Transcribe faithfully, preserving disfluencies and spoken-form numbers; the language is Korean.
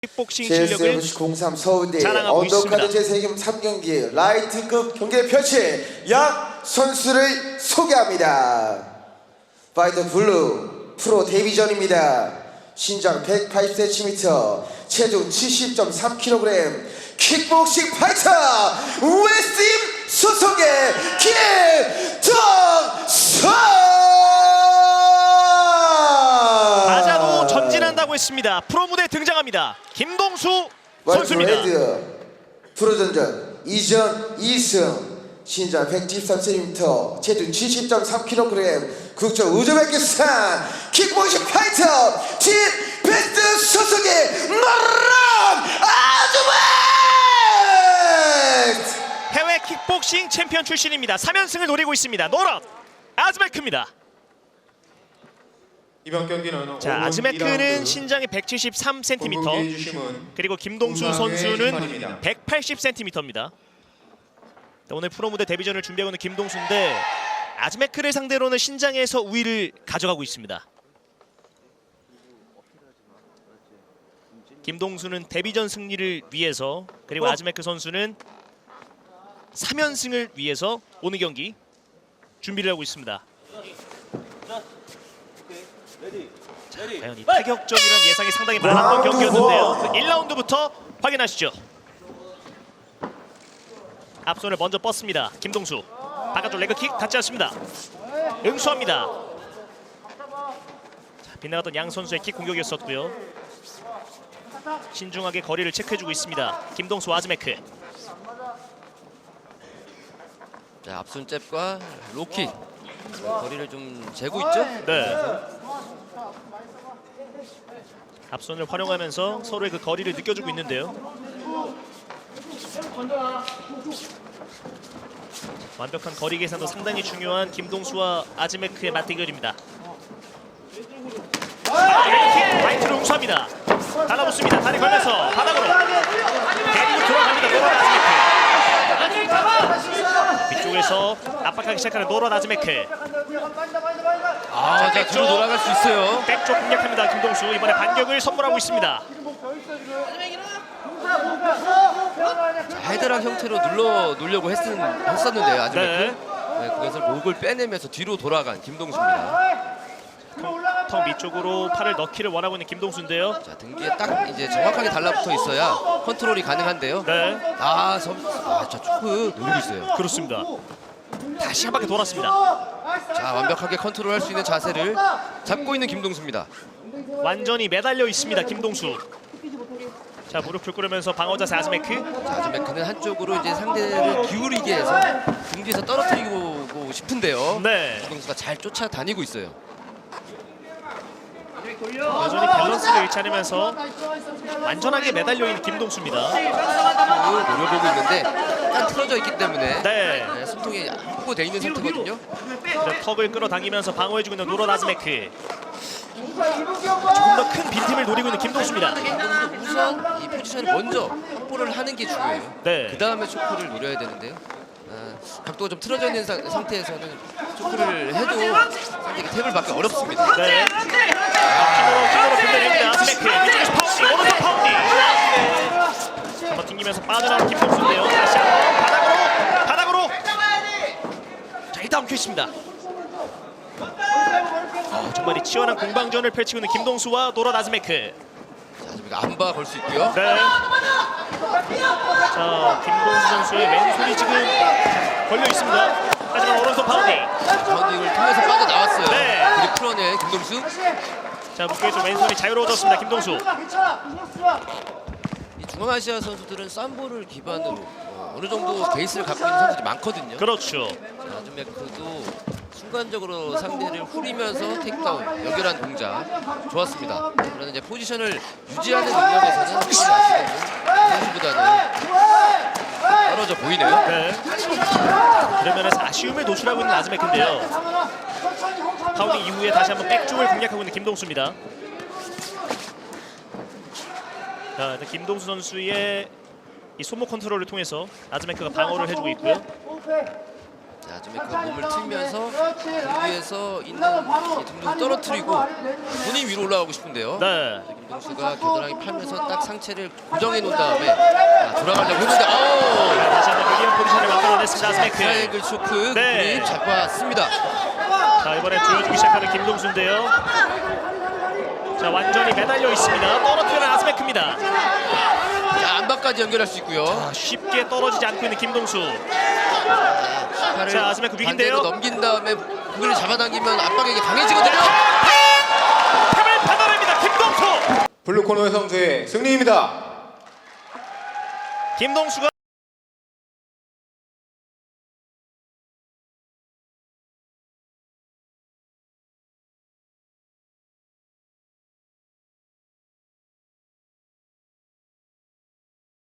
킥복싱 실력을 공삼 서울대 자랑하고 언더카드 있습니다. 제세경 삼 경기 라이트급 경기를 펼칠 양 선수를 소개합니다. 파이터 블루 프로 데뷔전입니다. 신장 백팔십 센티미터, 체중 칠십 점 삼 킬로그램, 킥복싱 파이터 웨스팀 소속의 김동수! 맞아도 전진한다고 했습니다. 프로 무대 등장합니다. 김동수 선수입니다. 월드레드 프로전전 이전 이 승, 신장 백칠십삼 센티미터, 체중 칠십 점 삼 킬로그램, 국적 우즈베키스탄 킥복싱 파이터 팀 베스트 소속의 노람 아즈베크! 해외 킥복싱 챔피언 출신입니다. 삼 연승을 노리고 있습니다. 노랍 아즈베크입니다. 이번 경기는 자, 아즈메크는 신장이 백칠십삼 센티미터, 그리고 김동수 선수는 백팔십 센티미터입니다. 오늘 프로 무대 데뷔전을 준비하고 있는 김동수인데 아즈메크를 상대로는 신장에서 우위를 가져가고 있습니다. 김동수는 데뷔전 승리를 위해서, 그리고 아즈메크 선수는 삼 연승을 위해서 오늘 경기 준비를 하고 있습니다. 자, 과연 이 타격전이라는 예상이 상당히 많았던 경기였는데요. 그 일 라운드부터 확인하시죠. 앞손을 먼저 뻗습니다. 김동수 바깥쪽 레그킥 닿지 않습니다. 응수합니다. 자, 빗나갔던 양 선수의 킥 공격이었었고요. 신중하게 거리를 체크해주고 있습니다. 김동수 아즈메크. 자, 앞손 잽과 로킥 거리를 좀 재고 있죠? 네. 앞손을 활용하면서 서로의 그 거리를 느껴주고 있는데요. 완벽한 거리 계산도 상당히 중요한 김동수와 아즈메크의 맞대결입니다. 라이트로 응수합니다. 달라붙습니다. 다리 걸면서 바닥으로 데리고 들어갑니다. 노란 아즈메크. 위쪽에서 압박하기 시작하는 노란 아즈메크. 아, 자, 뒤로 돌아갈 수 있어요. 백쪽 공략합니다. 김동수 이번에 반격을 선물하고 있습니다. 자, 헤드락 형태로 눌러 놓으려고 했은, 했었는데요, 아즈메크. 네. 네, 그것을 목을 빼내면서 뒤로 돌아간 김동수입니다. 턱 밑쪽으로 팔을 넣기를 원하고 있는 김동수인데요. 자, 등기에 딱 이제 정확하게 달라붙어 있어야 컨트롤이 가능한데요. 네, 아, 섬, 아, 자, 초크 노리고 있어요. 그렇습니다. 다시 한 바퀴 돌았습니다. 자, 완벽하게 컨트롤할 수 있는 자세를 잡고 있는 김동수입니다. 완전히 매달려 있습니다. 김동수. 자, 무릎을 꿇으면서 방어 자세 아즈메크. 자, 아즈메크는 한쪽으로 이제 상대를 기울이게 해서 등 뒤에서 떨어뜨리고 싶은데요. 네, 김동수가 잘 쫓아다니고 있어요. 여전히 밸런스를 잃지 않으면서 완전하게 매달려 있는 김동수입니다. 노려보고 있는데 약간 틀어져 있기 때문에 네, 네, 숨통이 확보되어 있는 상태거든요. 그래서 턱을 끌어당기면서 방어해주고 있는 노란 아즈메크. 조금 더 큰 빈틈을 노리고 있는 김동수입니다. 김동수도 우선 이 포지션을 먼저 확보를 하는 게 중요해요. 네, 그 다음에 초크를 노려야 되는데요. 아, 각도가 좀 틀어져 있는 사, 상태에서는 초크를 해도 상대가 탭을 받기 어렵습니다. 네. 힘으로 힘으로 분배됩니다. 아즈메크 이쪽에서 파운딩, 오른손 파운딩. 한번 튕기면서 빠져나온 김동수인데요. 다시 한번 바닥으로 바닥으로. 자, 일단 엉켜 있습니다. 어, 정말 이 치열한 공방전을 펼치고 있는 김동수와 노란 아즈메크. 자, 아즈메크 안바 걸 수 있고요. 네. 자, 김동수 선수의 왼손이 지금 걸려 있습니다. 하지만 오른손 파운딩. 파운딩을 통해서 빠져나왔어요. 네. 그리고 풀어낸 김동수. 자, 무게에서 왼손이 자유로워졌습니다. 김동수. 이 중앙아시아 선수들은 쌈보를 기반으로 어, 어느 정도 베이스를 갖고 있는 선수들이 많거든요. 그렇죠. 자, 아즈메크도 순간적으로 상대를 후리면서 테이크다운 연결한 동작 좋았습니다. 그러나 이제 포지션을 유지하는 능력에서는 확실히 아시는 선수보다는 떨어져 보이네요. 네. 그런 면에서 아쉬움에 노출하고 있는 아즈메크인데요. 파운딩 이후에 다시 한번 백쪽을 공략하고 있는 김동수입니다. 자, 김동수 선수의 이 손목 컨트롤을 통해서 아즈메크가 방어를 해주고 있고요. 자, 자, 아즈메크가 몸을 틀면서 등 위에서 있는 이 등등을 떨어뜨리고 본인 위로 올라가고 싶은데요. 네. 김동수가 겨드랑이 팔면서 딱 상체를 고정해 놓은 다음에 자, 돌아가려고 했는데 아우! 자, 다시 한번 유리한 포지션을 만들어냈습니다. 아즈메크. 트라이앵글 초크 네. 그립 잡았습니다. 자, 이번에 조여주기 시작하는 김동수인데요. 자, 완전히 매달려 있습니다. 떨어뜨리는 아즈메크입니다. 자, 안바까지 연결할 수 있고요. 자, 쉽게 떨어지지 않고 있는 김동수. 팔을 자, 아즈메크 위기인데요. 반대로 넘긴 다음에 고개를 잡아당기면 압박에게 강해지거든요. 탑을 받아냅니다. 김동수. 블루 코너의 선수의 승리입니다. 김동수가